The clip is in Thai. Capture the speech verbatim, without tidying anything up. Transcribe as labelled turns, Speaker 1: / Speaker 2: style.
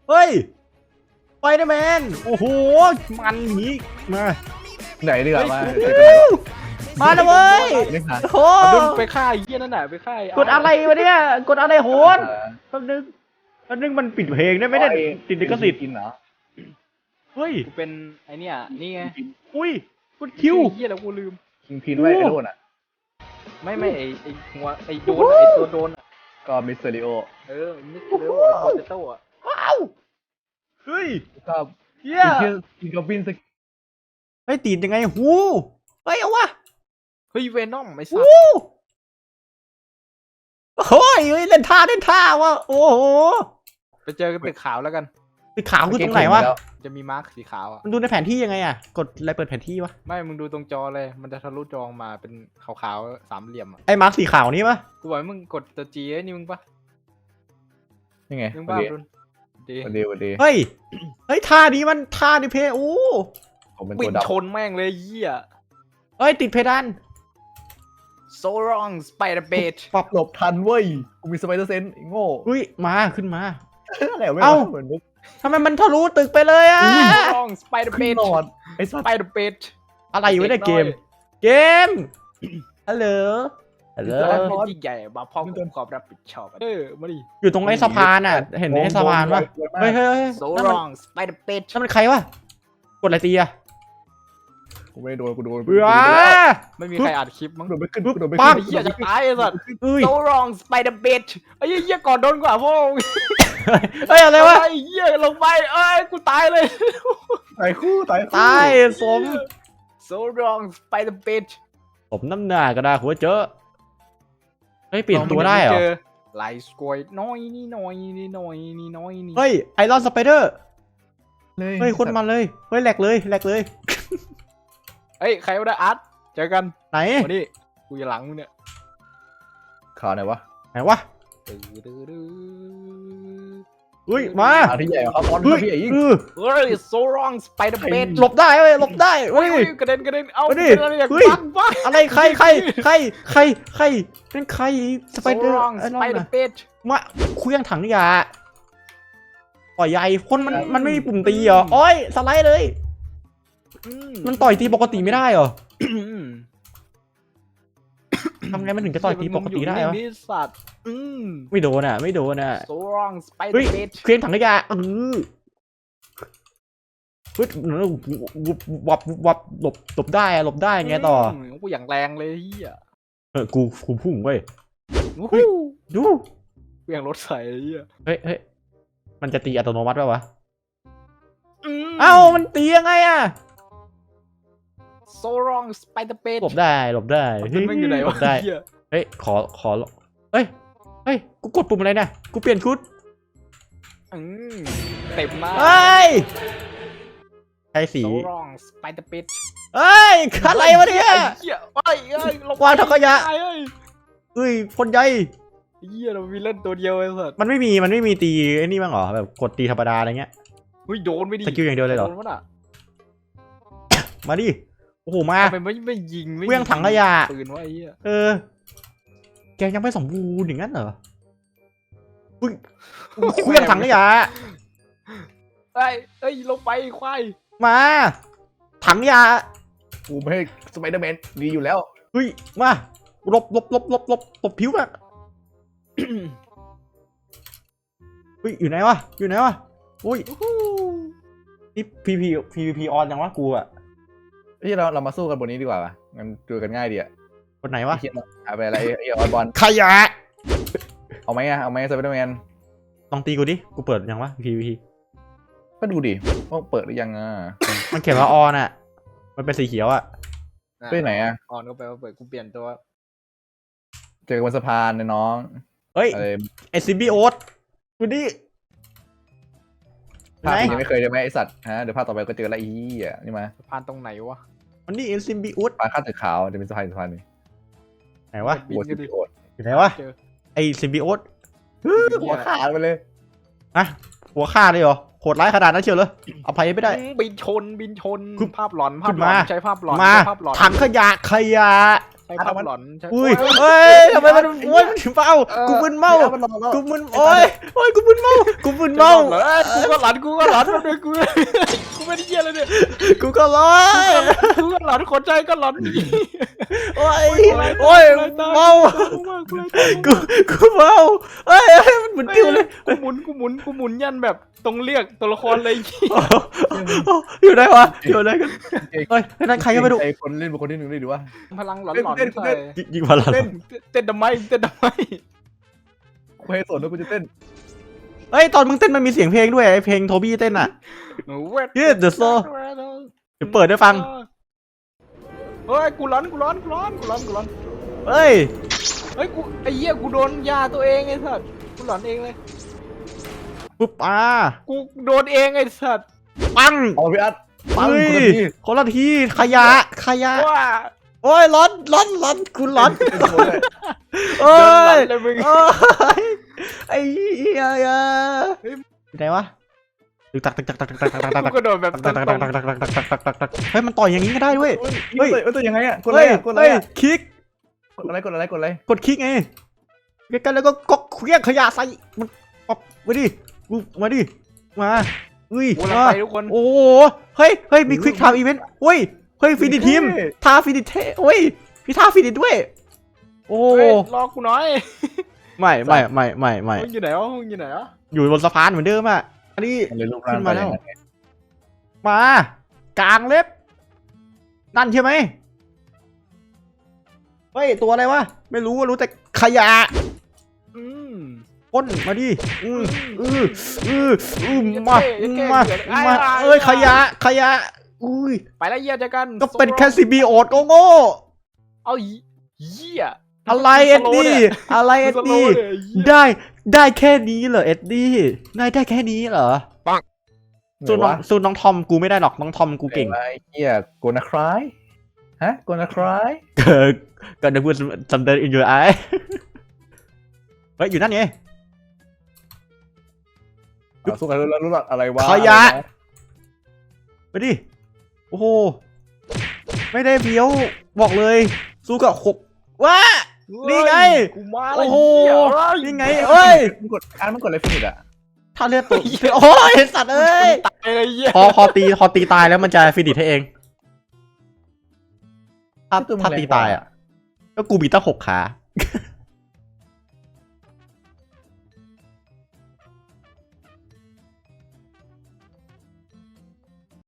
Speaker 1: เฮ้ยไปนะแมนโอ้โหมันหนีมา
Speaker 2: ไหนดีกว่ามา
Speaker 1: มาแล้วเว้ยโอ้โห
Speaker 3: ดุนไปฆ่าไอ้เหี้ยนั่นน่ะไปฆ่าอ้
Speaker 1: กดอะไรวะเนี่ยกดอะไรโหนแป๊บนึงแป๊บนึงมันปิดเพลงได้ไหมเนี่ยติดลิขสิทธิ์
Speaker 2: กินเหรอ
Speaker 1: เฮ้ย
Speaker 3: กูเป็นไอเนี่ยนี่ไง
Speaker 1: อุ้ยกดคิว
Speaker 3: ไอ้เหี้ยแล้วกูลืม
Speaker 2: กินพินไว้ไอ้โน่นอ่ะ
Speaker 3: ไม่ไม่ไอไอหัวไอโดนอะไอตัวโดนอะ
Speaker 2: ก็มิสเตอริโอ
Speaker 3: เออมิสเตอร์เร็วไอโปเตโต้อะ
Speaker 1: ว้าวเฮ้ย
Speaker 2: ก็
Speaker 1: เฮีย
Speaker 2: กินกินกับบินสก
Speaker 1: เฮ้ยตีนยังไงหูเฮ้ยเอาวะ
Speaker 3: เฮ้ยเวนอมไอสัต
Speaker 1: หู
Speaker 3: ว์
Speaker 1: โอ้ยเฮ้ยเล่นท่าเล่นท่าวะโอ้โห
Speaker 3: ไปเจอกันตึกขาวแล้วกัน
Speaker 1: สีขาวคือตรงไหนวะ
Speaker 3: จะมีมาร์คสีขาวอะ
Speaker 1: มันดูในแผนที่ยังไงอะกดอะไรเปิดแผนที่วะ
Speaker 3: ไม่มึงดูตรงจอเลยมันจะทะลุจอมาเป็นขาวๆสามเหลี่ยมอะ
Speaker 1: ไอ้มาร์คสีขาวนี้ปะ
Speaker 3: กูบอกให้มึงกดตัวจีไอ้นี่มึงปะ
Speaker 2: นี่ไง
Speaker 3: มึง
Speaker 2: วัน
Speaker 3: บ้า
Speaker 2: ดี
Speaker 3: ดุนดี
Speaker 2: วันดีวันดี
Speaker 1: เฮ้ยเฮ้ยท่านี้มันท่าดิเพโอ้
Speaker 2: ผมเป็น
Speaker 3: ปิ
Speaker 2: ตัว
Speaker 3: ด
Speaker 2: ดับ
Speaker 3: ชนแม่งเลยไอ้เหี้ย
Speaker 1: เฮ้ยติดเพดาน
Speaker 3: so wrong spider bait
Speaker 2: ปรับหลบทันเว้ยกูมีสไปเดอร์เซนส์ไอ้โง่
Speaker 1: อุ้ยมาขึ้นมา
Speaker 2: อะไรไม่
Speaker 1: เอ้า
Speaker 2: เหมือนมุก
Speaker 1: ทำไมมันทะลุตึกไปเลยอะ
Speaker 3: so wrong spider
Speaker 2: ขึ้น
Speaker 3: bait
Speaker 2: นอนไอ้สัตว์
Speaker 3: spider bait
Speaker 1: อะไรอยู่ในเกม เกมฮัลโหลฮัลโหล
Speaker 3: ร้านเป็นที่ใหญ่มาพร้อมกับความรับผิดชอบเออมาดิ
Speaker 1: อยู่ตรงไอ้สะพานอะเห็นไอ้สะพานปะเฮ้ยเฮ้ยเฮ้ย
Speaker 3: so
Speaker 1: นั่นมัน
Speaker 3: wrong spider bait
Speaker 1: นั่นมันใครวะกดอะไรตีอะ
Speaker 2: กูไม่ได้โดนกูโดน
Speaker 1: เบื่อ
Speaker 3: ไม่มีใครอัดคลิปมั้ง
Speaker 2: โดนไม่ขึ้นกูโดนไม่
Speaker 1: ปั๊
Speaker 2: ขึ้
Speaker 1: บ
Speaker 2: น
Speaker 3: ไอ้เหี้ยจะตายไอ้สัตว์
Speaker 1: เอ้ย
Speaker 3: so wrong spider bait ไอ้เหี้ยก่อนโดนกว่าพ่อ
Speaker 1: เฮ้ยอะไรวะ
Speaker 3: ไอ้เหี้ยลงไปเอ้ยกูตายเลย
Speaker 2: ตายคู่ตายคู่
Speaker 1: ตายสม
Speaker 3: so wrong spider bait
Speaker 1: สมน้ำหน้าก็ได้หัวเจอเฮ้ยเปลี่ยนตัวได้เหรอ
Speaker 3: ไลสกอยน้อยนี่น้อยนี่น้อยนี่น้อยนี่
Speaker 1: เฮ้ยไอรอนสไปเดอร์
Speaker 2: เลย
Speaker 1: เฮ้ยโคนมันเลยเฮ้ยแหลกเลยแหลกเลย
Speaker 3: เฮ้ยใครว่าได้อาร์ตเจอกัน
Speaker 1: ไหน
Speaker 3: วันนี้กูจะหลังมึงเนี่ย
Speaker 2: ข่าวไหนวะ
Speaker 1: ไหนวะเฮ้ยมา
Speaker 2: ข่าวที่ใหญ่ครับออน
Speaker 1: เฮ้ย
Speaker 2: พี่ใหญ่ยิ่ง
Speaker 1: เออ
Speaker 3: เฮ้ย so wrong spider bait
Speaker 1: หลบได้เว้ยหลบได้
Speaker 3: เฮ้
Speaker 1: เฮ้
Speaker 3: ย
Speaker 1: ย
Speaker 3: กระเด็นกระเด็นเอา
Speaker 1: เอาดิ
Speaker 3: เป็นอะไรอย่าง
Speaker 1: เฮ้ย
Speaker 3: บ้าบ้า
Speaker 1: อะไรใครใครใครใครใครเป็นใครสไปเดอ
Speaker 3: so
Speaker 1: ร์
Speaker 3: wrong
Speaker 1: ไอ้นั่น
Speaker 3: spider
Speaker 1: น่ะ
Speaker 3: bait
Speaker 1: มาเคลื่องถังขยะต่อยใหญ่คนมันมันไม่มีปุ่มตีเหรอโอ้ยสไลด์เลย
Speaker 3: อื
Speaker 1: มันต่อยตีปกติไม่ได้เหรอ
Speaker 3: อืม
Speaker 1: ทำไงมันถึงจะต่อยตีปกติได้
Speaker 3: วะ
Speaker 1: วะ
Speaker 3: นี่สัตว์อืม
Speaker 1: ไม่โดนอ่ะไม่โดนอ่ะ
Speaker 3: so wrong
Speaker 1: เฮ้ย
Speaker 3: spider bait
Speaker 1: เคลื่องถังขยะเออเฮ้ยวับวับหลบหลบได้อะหลบได้ไงต่อ
Speaker 3: มกูอย่างแรงเลยเฮีย
Speaker 1: เออกูกูพุ่งเว้ย
Speaker 3: วู้
Speaker 1: เฮ้ย
Speaker 3: ฮู้
Speaker 1: ดู
Speaker 3: กูอย่างรถใส่เฮีย
Speaker 1: เฮ้ยเฮ้ยมันจะตีอัตโนมัติป่าวะ
Speaker 3: ม
Speaker 1: เอ้ามันตียังไงอะ
Speaker 3: so wrong spider bait
Speaker 1: หลบได้หลบได้
Speaker 3: มันไม่อยู่ไหน
Speaker 1: หล
Speaker 3: วะ
Speaker 1: บได้
Speaker 3: เฮีย
Speaker 1: เฮ้ยขอขอเฮ้ยเฮ้ยกูกดปุ่มอะไรเนี่ยกูเปลี่ยนชุด
Speaker 3: อืมเต็มหน้า
Speaker 1: เฮ้ยใช้สี
Speaker 3: so wrong spider bait
Speaker 1: เฮ้ยอะไรวะเนี่ย
Speaker 3: ไอ้เฮียเอ้ยเอ้ยลงไป
Speaker 1: วางถังขยะ
Speaker 3: เอ้ย
Speaker 1: เฮ้ยคนใหญ่
Speaker 3: เฮียเรามีเล่นตัวเดียวไอ้สัส
Speaker 1: มันไม่มีมันไม่มีตีไอ้นี่บ้างเหรอแบบกดตีธรรมดาอะไรเงี้ย
Speaker 3: เฮ้ยโดนไม่ดี
Speaker 1: สกิลอย่างเดียวเลยเหรอ
Speaker 3: โดนวะน่ะ
Speaker 1: มาดิโอ้โหมา
Speaker 3: ทำไมไม่ไม่ยิงไม่
Speaker 1: เวี่ยงถังขยะ
Speaker 3: ปืนวะไอ้เหี้ย
Speaker 1: เออแกยังไม่สมบูรณ์อย่างนั้นเหรออุ้ยเครื่องถังขยะ
Speaker 3: เอ้ยเอ้ยลงไปควาย
Speaker 1: มาถังขยะ
Speaker 2: กูไม่ให้สไปเดอร์แมนดีอยู่แล้ว
Speaker 1: เฮ้ยมาหลบหลบหลบหลบหลบหลบผิวอะเฮ้ยอยู่ไหนวะอยู่ไหนวะอุ้ยนี่พีพีพีพีออนยังวะกูอะ
Speaker 2: ที่เราเรามาสู้กันบนนี้ดีกว่าป่ะงั้นดูกันง่ายดีอะ
Speaker 1: คนไหนวะ
Speaker 2: ไอ้เหี้ยหาไปอะไรไอ้ไอ้ออนบอล
Speaker 1: ขยะ
Speaker 2: เอาไหมอะเอาไหมสไปเดอร์แมน
Speaker 1: ลองตีกูดิกูเปิดยังวะพีพี
Speaker 2: ก็ดูดิว่าเปิดหรือยังอ่ะ
Speaker 1: มันเขียนว่าออนอะมันเป็นสีเขียวอะ
Speaker 2: ไปไหนอะ
Speaker 3: ออนก็แปลว่าเปิดกูเปลี่ยนตัว
Speaker 2: เจอกันบนสะพานเนี่ยน้อง
Speaker 1: เฮ้ย
Speaker 2: อะไร
Speaker 1: ไอซิมบิโอตดูดิ
Speaker 2: ภาพ
Speaker 1: ไหน
Speaker 2: ที่ยังไม่เคยใช่ไหมไอสัตว์ฮะเดี๋ยวภาพต่อไปก็เจอละอีอ่ะนี่มา
Speaker 3: สะพานตรงไหนวะ
Speaker 1: มันนี่ไอซิมบิโอต
Speaker 2: สะพานข้ามตึกขาวจะเป็นสะพานสะพานนี้
Speaker 1: ไหนวะ
Speaker 3: บิ
Speaker 2: หัวน
Speaker 3: กั
Speaker 2: ซิ
Speaker 3: นดิ
Speaker 2: บิโอด
Speaker 1: อยู่ไหนวะ
Speaker 3: เจอ
Speaker 1: ไอซิมบิโอต
Speaker 2: หัวขาดไปเลย
Speaker 1: อะหัวฆ่าเลยเหรอโหดร้ายขนาดนั้นเชียวเลยอภัยไม่ได้
Speaker 3: บินชนบินชน
Speaker 1: คือ
Speaker 3: ภาพหลอนภาพ
Speaker 1: ขึ้น
Speaker 3: หลอน
Speaker 1: มา
Speaker 3: ใช้ภาพหลอน
Speaker 1: มา
Speaker 3: ใช้ภาพหลอน
Speaker 1: ถังขยะขยะ
Speaker 3: ไอ้ภาพหลอนใช่
Speaker 1: อุ้ย
Speaker 3: โอ้
Speaker 1: เฮ้ยทำไมมันโอ้ยมันถึงเป้ากูมึนเมา
Speaker 2: พี่อาร์ตมันลองแล้ว
Speaker 1: กูมึนโอ้ยโอ้ยกูมึนเมากูมึน
Speaker 3: เมา
Speaker 1: เมา
Speaker 3: เหรอกูก็หลอนกูก็หลอนมาด้วยกูกูไม่ได้เยี่ยเลยเนี่ย
Speaker 1: กูก็ร้อย
Speaker 3: กูก็หลอนคนใจก็หลอน
Speaker 1: โอ้ยโอ้ยเมา กูกูเมาเอ้ยเอ้ยมันเหมือนติวเลย
Speaker 3: กูหมุนกูหมุนกูหมุนยันแบบตรงเรียกตัวละครเลย
Speaker 1: อยู่ไหนวะอยู่ไหนกันเฮ้ยนั่นใครก็ไม่รู้
Speaker 2: ไอ้คนเล่นเป็นคนที่หนึ่งได้ดูว่า
Speaker 3: พลังหลอน
Speaker 2: เต้น
Speaker 3: หลอน
Speaker 2: เต้น
Speaker 3: ใส่
Speaker 1: ยิงพลัง
Speaker 2: เต้น
Speaker 3: เต้นทำไมเต้นทำไม
Speaker 2: กูให้สนว่ากูจะเต้น
Speaker 1: เฮ้ยตอนมึงเต้นมันมีเสียงเพลงด้วยไอเพลงโทบี้เต้นอ่ะ Yeah, the soul เดี๋ยวเปิดให้ฟัง
Speaker 3: เฮ้ยกูร้อนกูร้อนกูร้อนกูร้อนกูร้อน
Speaker 1: เฮ้ย
Speaker 3: เฮ้ยกูไอ้เหี้ยกูโดนยาตัวเองไอ้สัสกูหลอนเองเลย
Speaker 1: ปุ๊บอ่า
Speaker 3: กูโดนเองไอ้สัส
Speaker 1: ปัง
Speaker 2: เอาพี่อาร์ตปัง
Speaker 1: เฮ้ย
Speaker 2: คนละที
Speaker 1: คนละทีขยะขยะ
Speaker 3: ว้า
Speaker 1: โอ้ยร้อนร้อนร้อนคุณร้อน
Speaker 2: เต้นโชว์ด้วย
Speaker 1: เอ้
Speaker 3: เดินหลั
Speaker 1: ย
Speaker 3: งเลยมึง
Speaker 1: เอ้ยไอ้เหี้ยอยู่ไหนวะตึกตักตึกตักตึกตักตึกตักตึก
Speaker 3: กู
Speaker 1: ตัก
Speaker 3: กระโดดแบบ
Speaker 1: ตัก
Speaker 3: ต
Speaker 1: ตั
Speaker 3: ร
Speaker 1: ก
Speaker 3: ง
Speaker 1: ตักตักตักตักตักตักตักเฮ้ยมันต่อยอย่างนี้ก็ได้ด้วย
Speaker 2: เฮ้ยเฮ้ยตัวยังไงอ่ะกดอะไร
Speaker 1: เฮ้ย
Speaker 2: อ่ะกดอะไร
Speaker 1: เฮ้ย
Speaker 2: อ่ะ
Speaker 1: คลิก
Speaker 2: กดอะไรกดอะไรกดอะไร
Speaker 1: กดคลิกไงใกล้ๆแล้วก็ก็เคลี้ยงขยะใส่มันป๊อปมาดิกูมาดิมาอุ้ย
Speaker 3: ๆกูลัง
Speaker 1: มา
Speaker 3: ไปทุกคน
Speaker 1: โอ้โหเฮ้ยเฮ้ยมีควิกไทม์อีเวนต์เฮ้ยเฮ้ยฟินิทีมท่าฟินิเทเฮ้ยพี่ท่าฟินิด้วยโอ้
Speaker 3: เฮ้ยรอกูหน่อย
Speaker 1: ไม่ไม่ไม่ไม่ไม่
Speaker 3: มึงอยู่ไหนวะมึงอยู่ไหนวะ
Speaker 1: อยู่บนสะพานเหมือนเดิมอ่ะอันนี้
Speaker 2: มันเลยรูปร่าง
Speaker 1: ขึ้นมาแล้ว
Speaker 2: ไปอย่งนั้น
Speaker 1: มากลางเล็บนั่นใช่ไหมเฮ้ยตัวอะไรวะไม่รู้ว่ารู้แต่ขยะ
Speaker 3: อืม
Speaker 1: พ่นมาดิอืออืออืออือ
Speaker 3: อย่า
Speaker 1: มา
Speaker 3: เท่อย่าเท่
Speaker 1: มา
Speaker 3: เดี๋ยว
Speaker 1: มา
Speaker 3: ไอ้
Speaker 1: เอ้ย
Speaker 3: ไอ้
Speaker 1: ขยะขยะอุ้ย
Speaker 3: ไปแล้วเยี่ยเจอกัน
Speaker 1: ก็เป็น
Speaker 3: โซโล่
Speaker 1: แค่ซีบีโอดโง่โง่
Speaker 3: เอาเยี่ย
Speaker 1: อะไรเอ็ดดี้อะไรเอ็ดดี้ได้ได้แค่นี้เหรอเอ็ดดี้ได้ได้แค่นี้เหรอ
Speaker 2: ไหน
Speaker 1: สู้น้อง
Speaker 2: วะ
Speaker 1: สู้น้องทอมกูไม่ได้หรอกน้องทอมกูเก่ง
Speaker 2: ไอ้เหี้ยโกนาครายฮะโกนาคราย
Speaker 1: เกิดก็ได้พูดจำเดินอินยูไอเฮ้ยอยู่นั่นไง
Speaker 2: สู้กันแล้วรู้หรออะไรวะ
Speaker 1: ขยะ ไปดิโอ้โหไม่ได้เบี้ยวบอกเลยสู้กับหกว้า นี่ไง
Speaker 3: กูมา
Speaker 1: โอ้
Speaker 3: แล้ว
Speaker 1: โห
Speaker 3: เหี้ยเอ้ย
Speaker 1: นี่ไงเอ้ย
Speaker 2: มันกดอ่านมันกดอะไรฟินิชอ่ะ
Speaker 1: ถ้าเลือดตกโอ้ยสัตว์เอ้ย
Speaker 3: ตายเลยเยี่ย
Speaker 1: พอพอตีพอตีตายแล้วมันจะฟินิชให้เองถ้าถ้าตีตายอ่ะก็กูมีตั้งหกขา